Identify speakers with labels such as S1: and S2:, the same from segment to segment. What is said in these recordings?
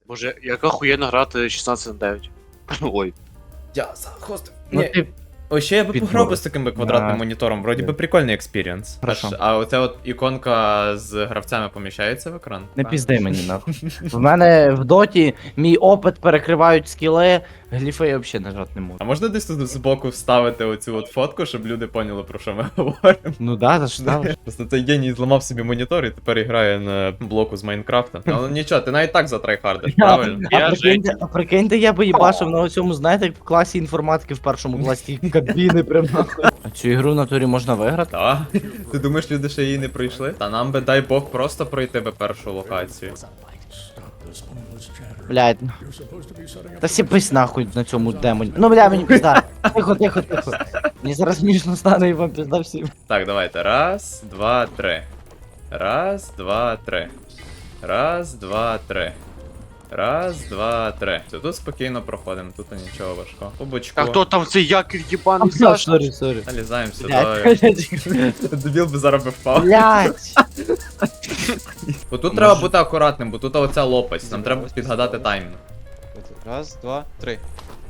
S1: Боже, як охуєнно грати 16 на 9. Ой.
S2: Я захостив.
S3: Ну,
S2: Ні.
S3: ти...
S2: Ось ще я би
S3: Підбор.
S2: пограв би з таким би квадратним
S3: Да.
S2: монітором, вроді би прикольний експірієнс.
S3: Хорошо.
S2: А оця от іконка з гравцями поміщається в екран?
S3: Не
S2: Так.
S3: пізди мені нахуй. В мене в доті мій опит перекривають скіли, гліфи я взагалі нажати не можу.
S2: А можна десь тут збоку вставити оцю от фотку, щоб люди поняли, про що ми говоримо?
S3: Ну да, за що ставиш?
S2: Просто цей геній зламав собі монітор і тепер грає на блоку з Майнкрафта. Але нічого, ти навіть так затрайхардиш, правильно?
S3: Прикиньте, я би їбашив на цьому, знаєте, як в класі інформатики в першому класі кабіни прям нахуй. А цю ігру в натурі можна виграти?
S2: Та? Ти думаєш, люди ще її не пройшли? Та нам би, дай Бог, просто пройти би першу локацію.
S3: Блядь. Та сіпись нахуй на цьому демоні. Ну бля, мені пізда. Тихо, тихо, тихо. Мені зараз смішно стане і вам пізда всім.
S2: Так, давайте. Раз, два, три. Раз, два, три. Раз, два, три. Раз, два, три. Все, тут спокійно проходимо, тут нічого важкого. По бочку.
S1: А хто там цей якір єбаний
S3: А,
S1: Саш?
S3: сорі, сорі.
S2: Налізаємо сюди.
S3: Блядь.
S2: Дебіл би зараз би впав.
S3: Блядь.
S2: Бо тут треба бути акуратним, бо тут оця лопасть. Нам треба підгадати таймінг.
S4: Раз, два, три.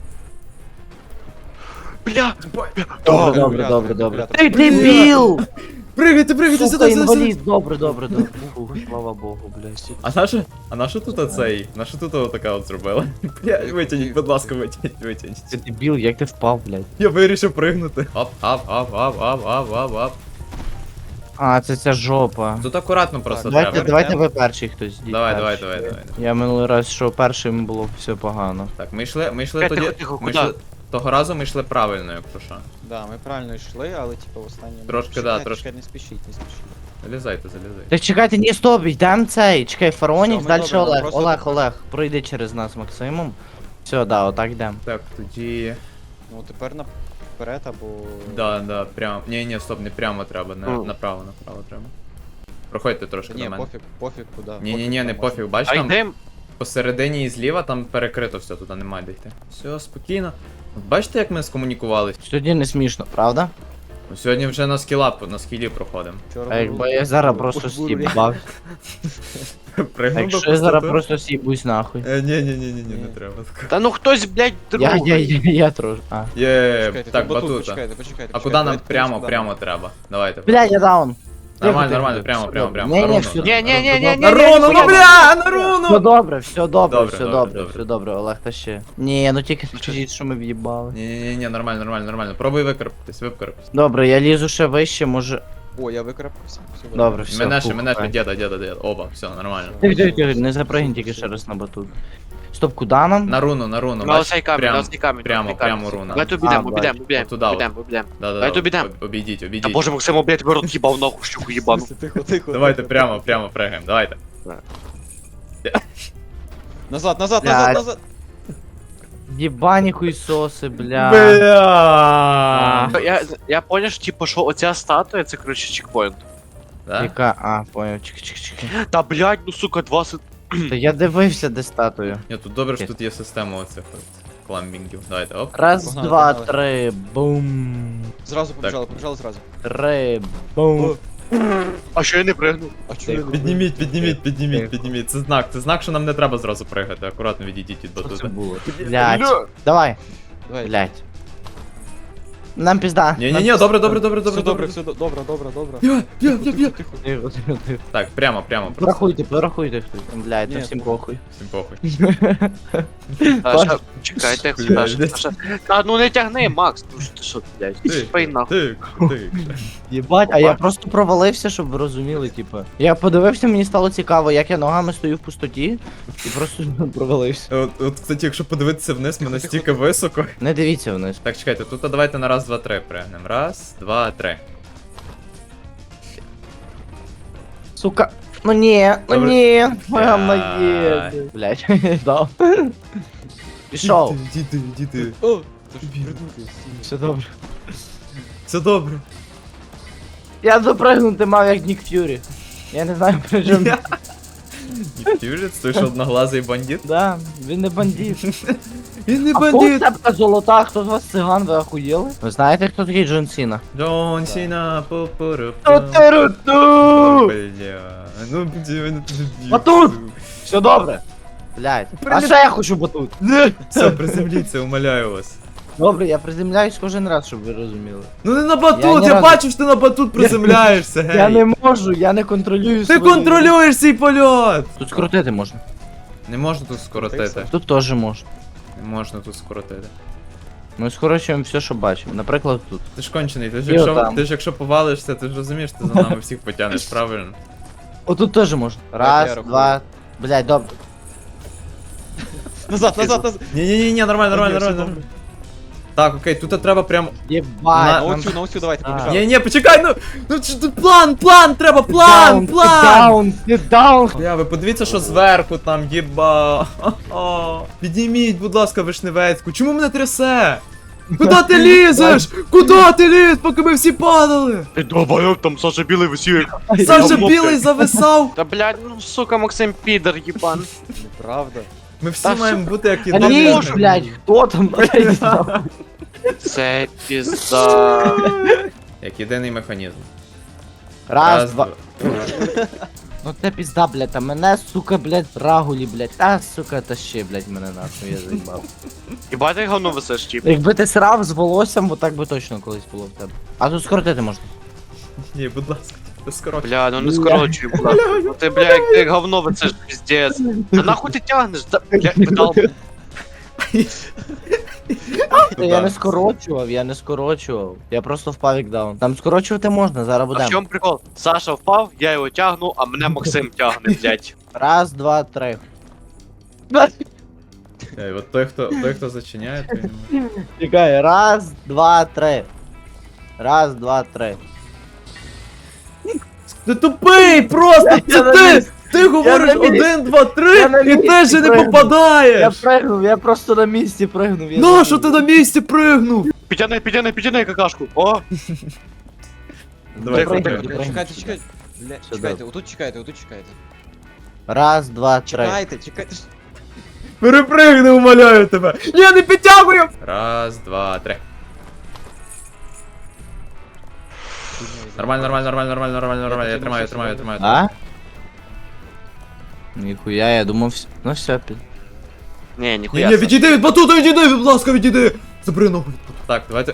S1: Бля!
S3: Добре, добре, добре, добре. Ти дебіл!
S2: Пригайте, пригайте
S3: Сука, інвалід, добре, добре, добре. Фу, слава Богу, блядь.
S2: А на що тут оцей? На що тут отака от зробила? Бля, витягніть, будь ласка, витягніть.
S3: Ти дебіл, як ти впав, блядь?
S2: Я вирішив пригнути. Оп, ап.
S3: А, це ця жопа.
S2: Тут акуратно просто
S3: Давайте,
S2: треба.
S3: давайте ви перший хтось. йдіть
S2: Давай.
S3: перший. Я минулий раз, що першим було все погано.
S2: Так, ми йшли
S1: Тихо,
S2: тоді.
S1: тихо,
S2: ми
S1: куди?
S2: йшли- Того разу ми йшли правильно, якщо що.
S4: Да, ми правильно йшли, але типу в останньому.
S2: Трошки, да,
S4: Чекайте,
S2: трошки.
S4: чекайте, не спішіть, не спішіть.
S2: Залізайте.
S3: Так чекайте, ні, стоп, йдем цей. Чекай, Фаронік,
S4: Все, ми
S3: далі
S4: добре, нам
S3: Олег.
S4: просто-
S3: Олег, пройди через нас Максимом. Все, да, отак йдем.
S2: Так, тоді.
S4: Ну тепер наперед або.
S2: Да, прямо. Ні, стоп, не прямо треба, направо треба. Проходьте трошки
S4: Ні,
S2: до мене.
S4: пофіг куди.
S2: Ні, не пофіг, бач
S1: А
S2: там
S1: йдем?
S2: посередині і зліва там перекрито все, туди немає де йти. Все, спокійно. От бачите, як ми скомунікувалися?
S3: Тоді не смішно, правда?
S2: Ну, сьогодні вже на скілі проходимо.
S3: А якби я зараз просто стібав. А
S2: Пригнув
S3: якщо я зараз просто стібусь нахуй.
S2: Ні, не треба.
S1: Та ну хтось, блядь, другий.
S3: Я трошки. А.
S2: Є,
S4: Почекайте,
S2: так,
S4: тут батут,
S2: батута.
S4: почекайте.
S2: А куди нам прямо треба? Давайте.
S3: Бля, я даун.
S2: Нормально, прямо.
S3: Ні,
S2: На руну,
S3: все.
S1: Ні.
S2: На руну, ну бля, на руну!
S3: Все добре, все добре,
S2: Добре,
S3: все
S2: добре,
S3: добре,
S2: добре.
S3: все добре, Олег, та ще. Ні, ну тільки скажіть, що ми в'їбали.
S2: Ні, нормально. Пробуй викарпатись.
S3: Добре, я лізу ще вище, може.
S4: О, я викрапався. Все
S3: Добре, все.
S2: Мене
S3: пухай.
S2: діда. Оба, все, нормально.
S3: Тихо, не запригнь тільки ще раз на батут. Стоп, куди нам?
S2: На руну,
S1: На
S2: бач,
S1: оцей камінь, на оцей камінь.
S2: прямо руна.
S1: Давай тут
S3: А,
S1: обійдемо.
S2: Отуда от.
S1: Да.
S2: Да.
S1: Давай тут підемо.
S2: Обійдіть.
S1: Та боже, Максим, блядь, тебе рот їбав нахуй, щуку їбану.
S4: Тихо.
S2: Давайте прямо пригаємо, давайте.
S4: Назад.
S3: Блядь. Єбані хуйсоси, бля.
S2: Бля.
S1: Я поняв, що, типу, що оця статуя, це, коротше, чекпоінт.
S2: Да?
S3: Яка? А, поняв, чекай.
S1: Та, блядь, ну, сука, 20...
S3: Та я дивився, де статую.
S2: Ні, тут добре, що тут є система оцих от кламбінгів. Давайте, оп.
S3: Раз,
S4: Погнали,
S3: два,
S4: погнали.
S3: три, бум.
S4: Зразу побіжали зразу.
S3: Три, бум.
S1: А що я не пригнув?
S4: А чого я не
S2: Підніміть. Це знак, що нам не треба зразу пригати. Акуратно відійдіть від
S3: Що це
S2: батута.
S3: було? Блядь. Давай,
S4: Давай.
S3: блядь. Нам пізда.
S2: Ні, добре.
S4: Все добре.
S2: Я.
S3: Тихо.
S2: Так, прямо.
S3: Порахуйте хтось. Блядь,
S4: Ні,
S3: та всім похуй.
S2: Всім похуй.
S1: Чекайте,
S2: Блядь.
S1: Саша. Та ну не тягни, Макс, ну що ти що, блядь, спей нахуй.
S2: Тик.
S3: Єбать, а я просто провалився, щоб ви розуміли, типу. Я подивився, мені стало цікаво, як я ногами стою в пустоті, і просто провалився.
S2: От, кстати, якщо подивитися вниз, ми настільки високо.
S3: Не дивіться вниз.
S2: Так, чекайте, тут давайте на раз, два, три пригнемо. Раз, два, три.
S3: Сука. Ну ні,
S2: Добре.
S3: моя
S2: Блядь.
S3: моє. Блядь, дав. Пішов.
S2: Діти.
S4: О, це ж придурки.
S3: Все добре.
S2: Все добре.
S3: Я допригнути мав як Нік Ф'юрі. Я не знаю при чому.
S2: Фьюжит, той що одноглазий бандит?
S3: Да, він не бандит.
S2: Він не
S3: А цепка золота, хто з вас циган, ви охуєли? Ви знаєте, хто такий Джон Сіна?
S2: Джон Сіна, попору.
S3: Ту-ту-ру-ту!
S2: Бля, ну
S3: Батут! Все добре. Блядь. А ще я хочу батут.
S2: Все, приземліться, умоляю вас.
S3: Добре, я приземляюсь кожен раз, щоб ви розуміли.
S2: Ну не на
S3: Я
S2: батут,
S3: ні
S2: я
S3: разу-
S2: бачу, що ти на батут приземляєшся, гей.
S3: Я не можу, я не контролюю
S2: Ти
S3: свої-
S2: контролюєш свій польот!
S3: Тут скрутити можна.
S2: Не можна тут скоротити.
S3: Тут теж можна.
S2: Не можна тут скоротити.
S3: Ми скорочуємо все, що бачимо. Наприклад, тут.
S2: Ти ж кончений, ти ж
S3: І
S2: якщо,
S3: отам.
S2: ти ж якщо повалишся, ти ж розумієш, ти за нами всіх потягнеш, правильно?
S3: Отут теж можна.
S4: я
S3: Раз,
S4: рахую.
S3: два. Блядь, добре.
S4: Назад, назад, назад.
S2: Ні, нормально,
S4: Окей, все
S2: нормально.
S4: добре.
S2: Так, окей, тут треба прям.
S3: Єбать.
S2: На
S4: На оцю, давайте, побіжали.
S2: Ні, почекай, ну тут план, треба, план!
S3: Даун, даун.
S2: Бля, ви подивіться, що зверху там, єба. Підніміть, будь ласка, вишневецьку. Чому мене трясе? Куди ти лізеш? Куди ти ліз, поки ми всі падали?
S1: Ти долбойок, там Саша Білий висів.
S2: Саша білий зависав.
S1: Та блядь, ну сука, Максим підер, їбан.
S4: Неправда.
S2: Ми всі
S1: Та
S2: маємо бути як
S3: Та
S2: єдиний.
S3: ні, блядь, хто там, блядь?
S1: Це пізда.
S2: Як єдиний механізм.
S3: Раз, два. Ну це пізда, блядь, а мене, сука, блядь, рагулі, блядь. Та, сука, тащи, блядь, мене нахуй, я заїбав.
S1: Хіба ти говно висиш, тип?
S3: Якби ти срав з волоссям, бо так би точно колись було в тебе. А тут скоротити можна.
S2: Ні, будь ласка, ти скоро.
S1: Бля, ну не скорочуй, бля. Ну ти, бля, як ти говно висиш, піздець. Та нахуй ти тягнеш? Та, бля, педал.
S3: Я не скорочував, я не скорочував. Я просто впав як даун. Там скорочувати можна, зараз
S1: А в
S3: будемо.
S1: чому прикол? Саша впав, я його тягну, а мене Максим тягне, блядь.
S3: Раз, два, три.
S2: От той, хто зачиняє, той не може.
S3: Чекай, раз, два, три. Раз, два, три.
S2: Ти тупий просто!
S3: Я
S2: Це
S3: на
S2: ти!
S3: місці.
S2: Ти говориш
S3: на місці.
S2: 1, 2,
S3: Я на
S2: 3 і
S3: місці
S2: теж не
S3: пригнув. Я
S2: попадаєш!
S3: пригнув, я просто на місці пригнув. я
S2: Ну, що
S3: забув.
S2: ти на місці пригнув?
S1: Підтяни какашку. О!
S2: Давай,
S1: Пригнув,
S2: пригнув.
S1: пригнув.
S4: Чекайте, чекайте. Бля,
S3: Що
S4: чекайте, отут чекайте, отут чекайте.
S3: Раз, два, три.
S4: Чекайте, чекайте.
S2: Перепригни, умоляю тебе! Ні, не підтягую! Раз, два, три. Нормально, я тримаю.
S3: А? Ніхуя, я думав, ну все, під.
S1: Ні, ніхуя.
S2: Ні, відійди від батута, відійди, будь ласка, відійди! Забери ногу. Так, давайте.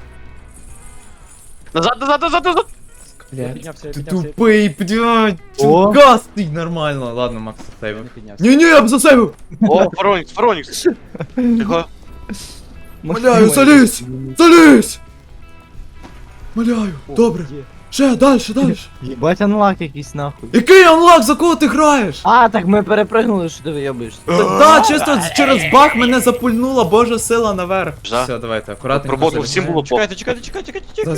S1: Назад.
S4: Я піднявся, я
S2: Ти
S4: піднявся.
S2: тупий, блядь!
S3: О.
S2: Гастий, нормально. Ладно, Макс,
S4: Я
S2: сейв.
S4: не піднявся.
S2: Ні, я б засейвив!
S1: О, Фаронікс. Тихо.
S2: Моляю, залізь! Залізь! Моляю, добре. Ще, дальше.
S3: Єбать анлак якийсь нахуй.
S2: Який анлак, за кого ти граєш?
S3: А, так ми перепригнули, що ти вийобуєшся.
S2: Так, чисто через баг мене запульнула божа сила наверх.
S1: Жа.
S2: Все, давайте, акуратненько.
S1: Роботу
S2: залізаємо.
S1: всім було по.
S2: Залізь!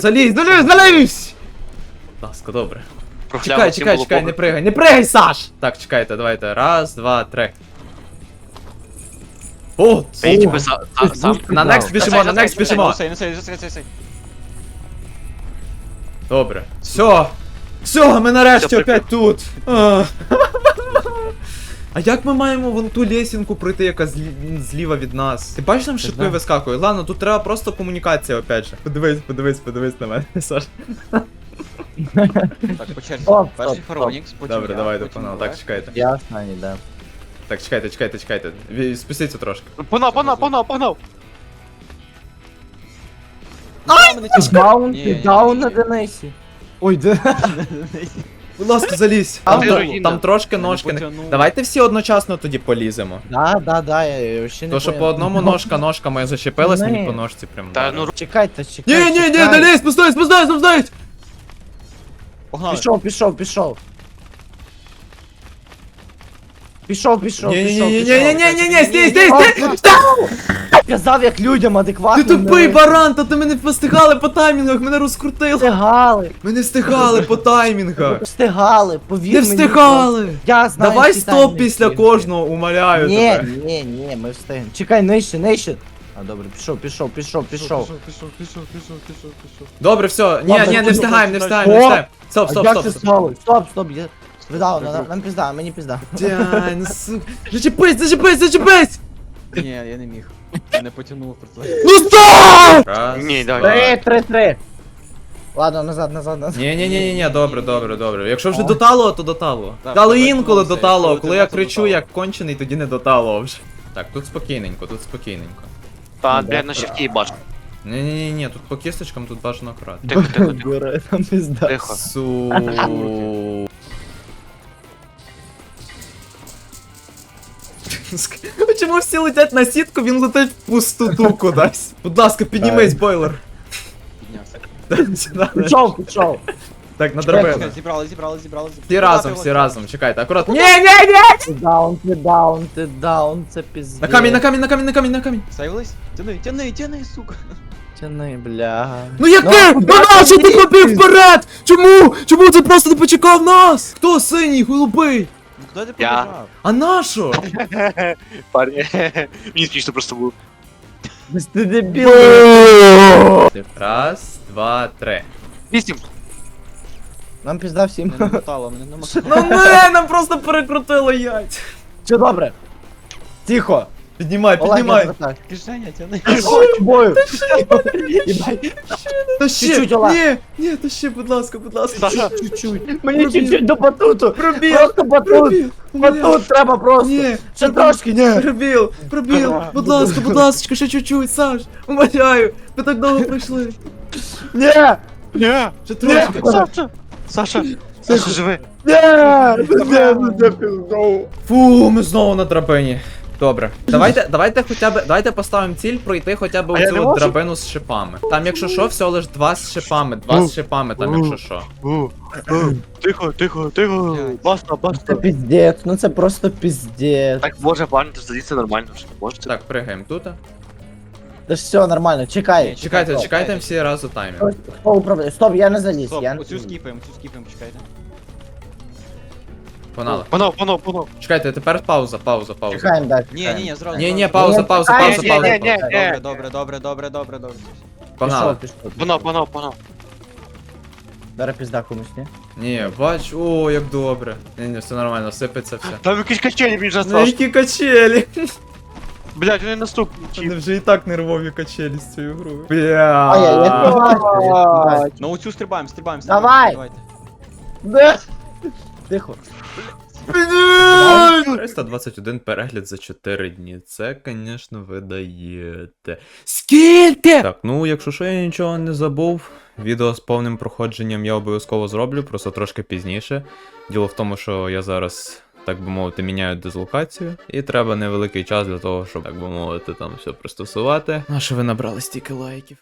S2: Будь ласка, добре. Чекай, не пригай, Саш! Так, чекайте, давайте. Раз, два, три. О,
S1: Ей, тебе сам.
S2: на next біжимо, на next біжимо.
S4: Сей.
S2: Добре. Все, ми нарешті
S1: Все,
S2: опять тут. А як ми маємо вон ту лесінку пройти, яка зліва від нас? Ти бачиш, там шипи
S3: знаю.
S2: вискакують? Ладно, тут треба просто комунікація, опять же. Подивись на мене, Саш.
S4: Так, по черзі.
S3: Стоп,
S4: Перший
S3: стоп,
S4: Фаронікс, потім
S2: Добре,
S4: я,
S2: давайте,
S4: потім
S2: погнали.
S4: Олег.
S2: Так, чекайте.
S3: Я останній, да.
S2: Так, чекайте. Спустіться трошки.
S1: Погнав.
S3: Даун,
S4: Ні,
S3: ти
S4: ні,
S3: даун
S4: ні,
S3: на
S4: ні.
S3: Денисі. Ой, де?
S2: Будь ласка, залізь.
S1: А
S2: Там,
S1: ти
S2: тро-
S1: руїна.
S2: там трошки ножки не.
S4: потягнув.
S2: Давайте всі одночасно тоді поліземо.
S3: Да, я ще не
S2: То, що
S3: поняв.
S2: по одному ножка моя зачепилась, мені
S3: Ні.
S2: по ножці прям.
S1: Та
S2: вдарило.
S1: ну
S3: Чекайте.
S2: Ні, не лізь, спустись!
S4: Погнали.
S3: Пішов.
S2: Ні, стій!
S3: Казав як людям
S2: Ти
S3: адекватно.
S2: тупий баран, та ти мене не встигали по таймінгах, мене розкрутили.
S3: Встигали.
S2: Ми не встигали по таймінгах.
S3: Встигали, повір
S2: Не
S3: мені.
S2: встигали.
S3: Я знаю.
S2: Давай
S3: всі
S2: стоп
S3: таймінги.
S2: після кожного, умоляю
S3: Ні,
S2: тебе.
S3: ні, ми встигнемо. Чекай, нижче. А добре, пішов.
S2: Добре, все. Ні,
S3: Ладно,
S2: не встигаємо.
S3: О!
S2: Стоп.
S3: А як це стало? Стоп, я... Видав, нам пізда, мені пізда.
S2: Дяй, ну сука. Зачепись!
S4: Ні, я не міг. Я не потягнув просто.
S2: Ну стоп! Раз,
S1: Ні,
S2: два,
S1: давай.
S3: 3. Ладно, назад.
S2: Ні, добре. Якщо вже до талого, то до талого.
S4: Так,
S2: Але
S4: давай
S2: інколи
S4: домовимося,
S2: до талого,
S4: якщо
S2: коли я
S4: тебе це
S2: кричу
S4: до
S2: як кончений, тоді не до талого вже. Так, тут спокійненько.
S1: Та, блядь, на щитки бачу.
S2: Ні, тут по кісточкам тут бажано акуратно.
S1: Тихо.
S3: Бери, там пизда.
S1: Тихо.
S2: Су. Чому всі летять на сітку, він летить в пустоту кудись. Будь ласка, піднімись, бойлер.
S4: Піднявся.
S3: Пішов.
S2: Так, на
S3: Чекай,
S2: драбину.
S4: Зібрали.
S2: Всі разом, чекайте, акуратно. Ні!
S3: Ти даун, це пиздец.
S2: На камінь.
S4: Сейвились? Тяни, сука.
S3: Тяни, бля.
S2: Ну яке? Ну нащо ти побіг вперед? Чому ти просто не почекав нас? Хто синій, голубий?
S4: Ну куди ти
S1: Я.
S4: побіжав?
S2: А нащо?
S1: Парні. Мені смішно просто було.
S3: Ти дебіл.
S2: Раз, два, три.
S1: 8.
S3: Нам пізда всім.
S4: Мене намотало, мене намотало.
S2: Ну нам просто перекрутило яйця.
S3: Все добре. Тихо.
S2: Піднімай.
S4: Кишеня, тяни.
S3: Бою. Єбай.
S2: Та ще,
S3: Чуть-чуть, Олег.
S2: ні, та ще, будь ласка.
S1: Саша.
S3: Чуть-чуть. Мені чуть-чуть до батуту.
S2: Пробіл,
S3: Просто батут. Батут треба просто.
S2: Ні,
S3: Ще трошки, ні.
S2: пробіл, будь ласка, ще чуть-чуть, Саш, умоляю, ми так довго пройшли.
S3: Ні.
S1: Ні.
S2: Ще трошки.
S1: Саша, живи.
S2: Фу, ми знову на драбині. Добре. Давайте поставимо ціль пройти хоча б
S1: А я
S2: оцю
S1: не
S2: от
S1: можу?
S2: драбину з шипами. Там якщо що, всього лиш два з шипами, там якщо що.
S1: Тихо.
S4: Блядь.
S1: Баста.
S3: Це пиздец, ну це просто пиздец.
S1: Так, може, парні, то садіться нормально, що можете.
S2: Так, пригаємо тут.
S3: Та ж все нормально, чекай.
S2: Чекайте всі разу таймінг.
S3: Хто управляє? Стоп, я не заліз.
S4: Стоп,
S3: Я не
S4: оцю
S3: заліз.
S4: скіпаємо, чекайте.
S2: Погнали.
S1: Панов.
S2: Чекайте, тепер пауза.
S3: Чекаємо далі.
S4: Ні, зразу.
S2: Ні, пауза.
S4: Добре.
S2: Погнали.
S3: Пішов.
S1: Панов.
S3: Зараз пізда комусь, ні?
S2: Ні, бач, о, як добре. Ні, все нормально, сипеться все.
S1: Там якісь качелі, він же
S2: Ну
S1: страшно.
S2: які качелі.
S1: Блядь, вони наступні.
S2: Вони вже і так нервові качелі з цією грою.
S3: А я
S2: Бля.
S3: побачив.
S4: Ну оцю стрибаємо.
S3: Давай.
S4: Давайте.
S3: Де? Тихо.
S2: 321 перегляд за 4 дні. Це, звісно, ви даєте. Скільки? Так, ну, якщо що, я нічого не забув. Відео з повним проходженням я обов'язково зроблю, просто трошки пізніше. Діло в тому, що я зараз, так би мовити, міняю дислокацію. І треба невеликий час для того, щоб, так би мовити, там все пристосувати. Ну, а що ви набрали стільки лайків?